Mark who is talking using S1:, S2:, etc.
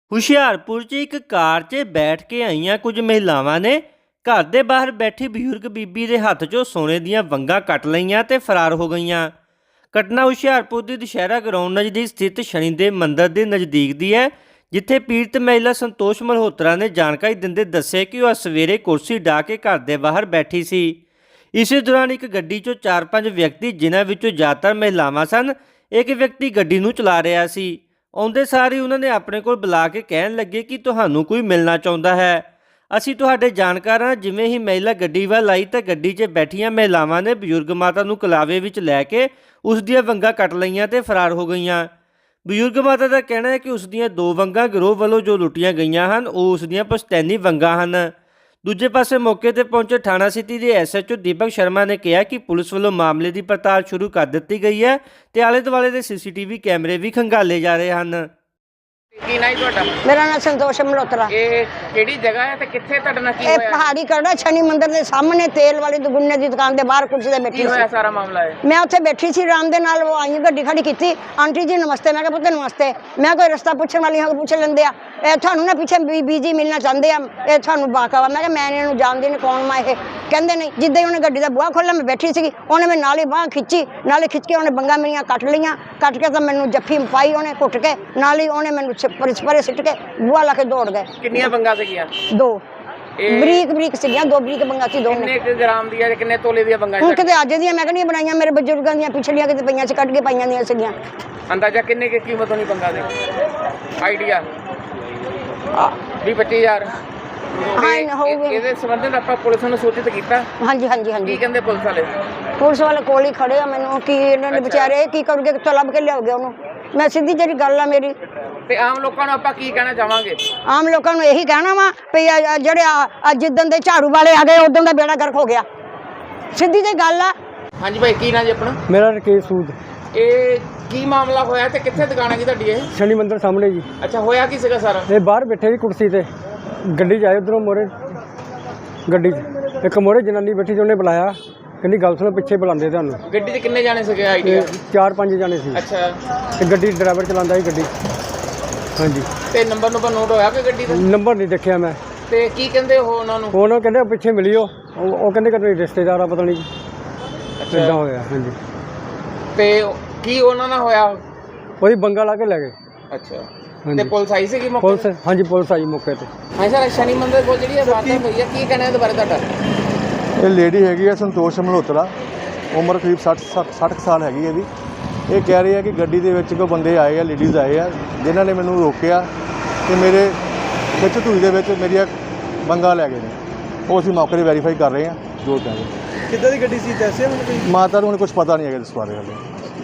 S1: ਹੁਸ਼ਿਆਰਪੁਰ 'ਚ ਇੱਕ ਕਾਰ 'ਚ ਬੈਠ ਕੇ ਆਈਆਂ ਕੁਝ ਮਹਿਲਾਵਾਂ ਨੇ ਘਰ ਦੇ ਬਾਹਰ ਬੈਠੀ ਬਜ਼ੁਰਗ ਬੀਬੀ ਦੇ ਹੱਥ 'ਚੋਂ ਸੋਨੇ ਦੀਆਂ ਵੰਗਾਂ ਕੱਟ ਲਈਆਂ ਤੇ ਫਰਾਰ ਹੋ ਗਈਆਂ। ਘਟਨਾ ਹੁਸ਼ਿਆਰਪੁਰ ਦੀ ਦੁਸ਼ਹਿਰਾ ਗਰਾਊਂਡ ਨਜ਼ਦੀਕ ਸਥਿਤ ਸ਼ਨੀਦੇਵ ਮੰਦਿਰ ਦੇ ਨਜ਼ਦੀਕ ਦੀ ਹੈ, ਜਿੱਥੇ ਪੀੜਤ ਮਹਿਲਾ ਸੰਤੋਸ਼ ਮਲਹੋਤਰਾ ਨੇ ਜਾਣਕਾਰੀ ਦਿੰਦੇ ਦੱਸਿਆ ਕਿ ਉਹ ਸਵੇਰੇ ਕੁਰਸੀ ਢਾਹ ਕੇ ਘਰ ਦੇ ਬਾਹਰ ਬੈਠੀ ਸੀ। ਇਸੇ ਦੌਰਾਨ ਇੱਕ ਗੱਡੀ 'ਚੋਂ 4-5 ਵਿਅਕਤੀ, ਜਿਨ੍ਹਾਂ ਵਿੱਚੋਂ ਜ਼ਿਆਦਾਤਰ ਮਹਿਲਾਵਾਂ ਸਨ, ਇੱਕ ਵਿਅਕਤੀ ਗੱਡੀ ਨੂੰ ਚਲਾ ਰਿਹਾ ਸੀ। ਆਉਂਦੇ ਸਾਰ ਹੀ ਉਹਨਾਂ ਨੇ ਆਪਣੇ ਕੋਲ ਬੁਲਾ ਕੇ ਕਹਿਣ ਲੱਗੇ ਕਿ ਤੁਹਾਨੂੰ ਕੋਈ ਮਿਲਣਾ ਚਾਹੁੰਦਾ ਹੈ, ਅਸੀਂ ਤੁਹਾਡੇ ਜਾਣਕਾਰ ਹਾਂ। ਜਿਵੇਂ ਹੀ ਮਹਿਲਾ ਗੱਡੀ ਵੱਲ ਆਈ ਤਾਂ ਗੱਡੀ 'ਚ ਬੈਠੀਆਂ ਮਹਿਲਾਵਾਂ ਨੇ ਬਜ਼ੁਰਗ ਮਾਤਾ ਨੂੰ ਕਲਾਵੇ ਵਿੱਚ ਲੈ ਕੇ ਉਸ ਦੀਆਂ ਵੰਗਾਂ ਕੱਟ ਲਈਆਂ ਤੇ ਫਰਾਰ ਹੋ ਗਈਆਂ। ਬਜ਼ੁਰਗ ਮਾਤਾ ਦਾ ਕਹਿਣਾ ਹੈ ਕਿ ਉਸ ਦੀਆਂ 2 ਵੰਗਾਂ ਗਿਰੋਹ ਵੱਲੋਂ ਜੋ ਲੁੱਟੀਆਂ ਗਈਆਂ ਹਨ, ਉਹ ਉਸ ਦੀਆਂ ਪੁਸ਼ਤੈਨੀ ਵੰਗਾਂ ਹਨ। ਦੂਜੇ ਪਾਸੇ ਮੌਕੇ ਤੇ ਪਹੁੰਚੇ ਥਾਣਾ ਸਿਟੀ ਦੇ ਐਸਐਚਓ ਦੀਪਕ ਸ਼ਰਮਾ ਨੇ ਕਿਹਾ ਕਿ ਪੁਲਿਸ ਵੱਲੋਂ ਮਾਮਲੇ ਦੀ ਪੜਤਾਲ ਸ਼ੁਰੂ ਕਰ ਦਿੱਤੀ ਗਈ ਹੈ ਤੇ ਆਲੇ ਦੁਆਲੇ ਦੇ ਸੀਸੀਟੀਵੀ ਕੈਮਰੇ ਵੀ ਖੰਗਾਲੇ ਜਾ ਰਹੇ ਹਨ।
S2: ਕੀ ਨਾਂ ਤੁਹਾਡਾ?
S3: मेरा नाम संतोष मल्होत्रा।
S2: ਇਹ ਕਿਹੜੀ ਜਗ੍ਹਾ ਹੈ ਤੇ ਕਿੱਥੇ ਤੁਹਾਡੇ ਨਾਲ ਕੀ
S3: ਇਹ
S2: ਹੋਇਆ?
S3: ਪਹਾੜੀ ਕਰੜਾ ਸ਼ਨੀ ਮੰਦਿਰ ਦੇ ਸਾਹਮਣੇ ਤੇਲ ਵਾਲੀ ਦੁਗੁੰਨੇ ਦੀ ਦੁਕਾਨ ਦੇ ਬਾਹਰ ਕੁਰਸੀ ਤੇ
S2: ਕੀ
S3: ਬੈਠੀ
S2: ਹੋਇਆ
S3: ਸੀ।
S2: ਸਾਰਾ ਮਾਮਲਾ ਹੈ?
S3: ਮੈਂ ਉੱਥੇ ਬੈਠੀ ਸੀ ਆਰਾਮ ਦੇ ਨਾਲ, ਉਹ ਆਈ ਗੱਡੀ ਖੜੀ ਕੀਤੀ, ਆਂਟੀ ਜੀ ਨਮਸਤੇ। ਮੈਂ ਕਿਹਾ ਪੁੱਤ ਨਮਸਤੇ। ਮੈਂ ਕੋਈ ਰਸਤਾ ਪੁੱਛਣ ਵਾਲੀ ਹਾਂ, ਪੁੱਛ ਲੈਂਦੇ ਆ। ਇਹ ਤੁਹਾਨੂੰ ਨਾ ਪਿੱਛੇ ਬੀਜੀ ਮਿਲਣਾ ਚਾਹੁੰਦੇ ਆ, ਇਹ ਤੁਹਾਨੂੰ ਬਾਕਾਵਾ। ਮੈਂ ਕਿਹਾ ਮੈਂ ਇਹਨੂੰ ਜਾਣਦੀ ਨਹੀਂ, ਕੌਣ ਮੈਂ ਇਹ? ਕਹਿੰਦੇ ਨਹੀਂ। ਜਿੱਦਾਂ ਹੀ ਉਹਨੇ ਗੱਡੀ ਦਾ ਬੂਹਾ ਖੋਲ੍ਹਿਆ, ਮੈਂ ਬੈਠੀ ਸੀਗੀ, ਉਹਨੇ ਮੈਂ ਨਾਲ ਹੀ ਬਾਂਹ ਖਿੱਚੀ, ਨਾਲੇ ਖਿੱਚ ਕੇ ਉਹਨੇ ਵੰਗਾਂ ਮੇਰੀਆਂ ਕੱਟ ਲਈਆਂ। ਕੱਟ ਕੇ ਤਾਂ ਮੈਨੂੰ ਜੱਫੀ ਪਾਈ ਉਹਨੇ ਘੁੱਟ ਕੇ, ਨਾਲ ਹੀ ਉਹਨੇ ਮੈਨੂੰ ਪਰੇ ਸਿੱਟ ਕੇ ਬੂਹਾ ਲਾ ਕੇ ਦੌੜ ਗਏ।
S2: ਕਿੰਨੀਆਂ ਵੰਗਾਂ ਸੀਗੀਆਂ?
S3: 2
S2: ਇਹ
S3: ਬਰੀਕ ਸੀਗੀਆਂ, 2 ਬਰੀਕ ਵੰਗਾਂ ਸੀ ਦੋਨੇ।
S2: ਕਿੰਨੇ ਕੁ ਗ੍ਰਾਮ ਦੀਆਂ ਤੇ ਕਿੰਨੇ ਤੋਲੇ ਦੀਆਂ ਵੰਗਾਂ?
S3: ਹੁਣ ਕਿਤੇ ਅੱਜ ਦੀਆਂ ਮੈਂ ਕਹਿੰਦੀ ਬਣਾਈਆਂ, ਮੇਰੇ ਬਜ਼ੁਰਗਾਂ ਦੀਆਂ ਪਿਛਲੀਆਂ ਕਿਤੇ ਪਈਆਂ ਸੀ, ਕੱਢ ਕੇ ਪਾਈਆਂ ਦੀਆਂ ਸੀਗੀਆਂ।
S2: ਅੰਦਾਜ਼ਾ ਕਿੰਨੇ ਕੀ ਕੀਮਤ ਹੋਣੀ ਵੰਗਾਂ ਦੀ? ਆਈਡੀਆ 20-25,000।
S3: ਹਾਂ ਹੋਊਗੇ।
S2: ਇਹਦੇ ਸੰਬੰਧ ਵਿੱਚ ਆਪਾਂ ਪੁਲਿਸ ਨੂੰ ਸੂਚਿਤ ਕੀਤਾ?
S3: ਹਾਂਜੀ ਹਾਂਜੀ
S2: ਕੀ
S3: ਹਾਂਜੀ,
S2: ਕਹਿੰਦੇ ਪੁਲਿਸ ਵਾਲੇ?
S3: ਪੁਲਿਸ ਵਾਲੇ ਕੋਲ ਹੀ ਖੜੇ ਆ। ਮੈਨੂੰ ਕੀ ਇਹਨਾਂ ਨੇ ਵਿਚਾਰੇ ਕੀ ਕਰੂਗੇ, ਕਿੱਥੋਂ ਲੱਭ ਕੇ ਲਿਆਓਗੇ ਉਹਨੂੰ? ਮੈਂ ਸਿੱਧੀ ਜਿਹੜੀ ਗੱਲ ਆ ਮੇਰੀ,
S2: ਤੇ ਆਮ ਲੋਕਾਂ ਨੂੰ ਆਪਾਂ ਕੀ ਕਹਿਣਾ ਚਾਹਾਂਗੇ?
S3: ਆਮ ਲੋਕਾਂ ਨੂੰ ਇਹੀ ਕਹਿਣਾ ਵਾ ਵੀ ਜਿਹੜੇ ਜਿੱਦਣ ਦੇ ਝਾੜੂ ਵਾਲੇ ਆ ਗਏ ਉਦੋਂ ਦਾ ਬੇੜਾ ਗਰਕ ਹੋ ਗਿਆ। ਸਿੱਧੀ ਜਿਹੀ ਗੱਲ ਆ।
S2: ਹਾਂਜੀ ਭਾਈ, ਕੀ ਨਾਂ ਜੀ ਆਪਣਾ?
S4: ਮੇਰਾ ਰਕੇਸ਼ ਸੂਦ।
S2: ਇਹ ਕੀ ਮਾਮਲਾ ਹੋਇਆ ਤੇ ਕਿੱਥੇ ਦੁਕਾਨ ਹੈਗੀ ਤੁਹਾਡੀ ਇਹ?
S4: ਸ਼ਨੀ ਮੰਦਿਰ ਸਾਹਮਣੇ ਜੀ।
S2: ਅੱਛਾ, ਹੋਇਆ ਕੀ ਸੀਗਾ ਸਾਰਾ?
S4: ਇਹ ਬਾਹਰ ਬੈਠੇ ਸੀ ਕੁਰਸੀ ਤੇ, ਗੱਡੀ 'ਚ ਆਏ ਉੱਧਰੋਂ ਮੋਰੇ ਗੱਡੀ 'ਚ ਇੱਕ ਮੋਰੇ ਜਨਾਨੀ ਬੈਠੀ ਸੀ, ਉਹਨੇ ਬੁਲਾਇਆ, ਕਹਿੰਦੀ ਗੱਲ ਸੁਣੋ, ਪਿੱਛੇ ਬੁਲਾਉਂਦੇ ਤੁਹਾਨੂੰ।
S2: ਗੱਡੀ 'ਚ ਕਿੰਨੇ ਜਾਣੇ ਸੀਗੇ ਆਈਡੀਆ?
S4: 4-5 ਜਾਣੇ ਸੀ।
S2: ਅੱਛਾ,
S4: ਤੇ ਗੱਡੀ ਡਰਾਈਵਰ ਚਲਾਉਂਦਾ ਸੀ ਗੱਡੀ। ਹਾਂਜੀ।
S2: ਤੇ ਨੰਬਰ ਨੋਟ ਹੋਇਆ ਕਿ ਗੱਡੀ ਦਾ?
S4: ਨੰਬਰ ਨਹੀਂ ਦੇਖਿਆ ਮੈਂ।
S2: ਤੇ ਕੀ ਕਹਿੰਦੇ ਹੋ ਉਹਨਾਂ ਨੂੰ?
S4: ਉਹਨਾਂ ਕਹਿੰਦੇ ਪਿੱਛੇ ਮਿਲਿਓ, ਉਹ ਕਹਿੰਦੇ ਕਿ ਰਿਸ਼ਤੇਦਾਰ ਆ, ਪਤਾ ਨਹੀਂ ਕਿੱਦਾਂ ਹੋਇਆ। ਹਾਂਜੀ।
S2: ਤੇ ਕੀ ਉਹਨਾਂ ਨਾਲ ਹੋਇਆ?
S4: ਉਹਦੀ ਬੰਗਾ ਲਾ ਕੇ ਲੈ ਗਏ।
S2: ਅੱਛਾ, ਤੇ
S4: ਹਾਂਜੀ।
S2: ਪੁਲਿਸ ਆਈ ਸੀਗੀ ਮੌਕੇ
S4: ਪੁਲਿਸ, ਹਾਂਜੀ ਪੁਲਿਸ ਆਈ ਮੌਕੇ ਤੇ।
S2: ਹਾਂ ਸਰ, ਸ਼ਨੀ ਮੰਦਿਰ ਕੋਲ ਜਿਹੜੀ ਇਹ ਵਾਰਦਾਤ ਹੋਈ ਹੈ, ਕੀ ਕਹਿਣਾ ਇਹਦੇ ਬਾਰੇ ਤੁਹਾਡਾ?
S5: ਇਹ ਲੇਡੀ ਹੈਗੀ ਆ ਸੰਤੋਸ਼ ਮਲਹੋਤਰਾ, ਉਮਰ ਕਰੀਬ 60 ਸਾਲ ਹੈਗੀ ਇਹਦੀ। ਇਹ ਕਹਿ ਰਹੀ ਹੈ ਕਿ ਗੱਡੀ ਦੇ ਵਿੱਚ ਕੋਈ ਬੰਦੇ ਆਏ ਆ, ਲੇਡੀਜ਼ ਆਏ ਆ, ਜਿਨ੍ਹਾਂ ਨੇ ਮੈਨੂੰ ਰੋਕਿਆ ਤੇ ਮੇਰੇ ਵਿੱਚ ਧੂਈ ਦੇ ਵਿੱਚ ਮੇਰੀਆਂ ਵੰਗਾਂ ਲੈ ਗਏ ਨੇ। ਉਹ ਅਸੀਂ ਮੌਕੇ 'ਤੇ ਵੈਰੀਫਾਈ ਕਰ ਰਹੇ ਹਾਂ ਜੋ ਕਹਿੰਦੇ।
S4: ਕਿੱਦਾਂ ਦੀ ਗੱਡੀ ਸੀ ਦੱਸਿਆ ਮੈਨੂੰ ਕੋਈ?
S5: ਮਾਤਾ ਨੂੰ ਹੁਣ ਕੁਝ ਪਤਾ ਨਹੀਂ ਹੈਗਾ ਇਸ ਬਾਰੇ ਹਾਲੇ।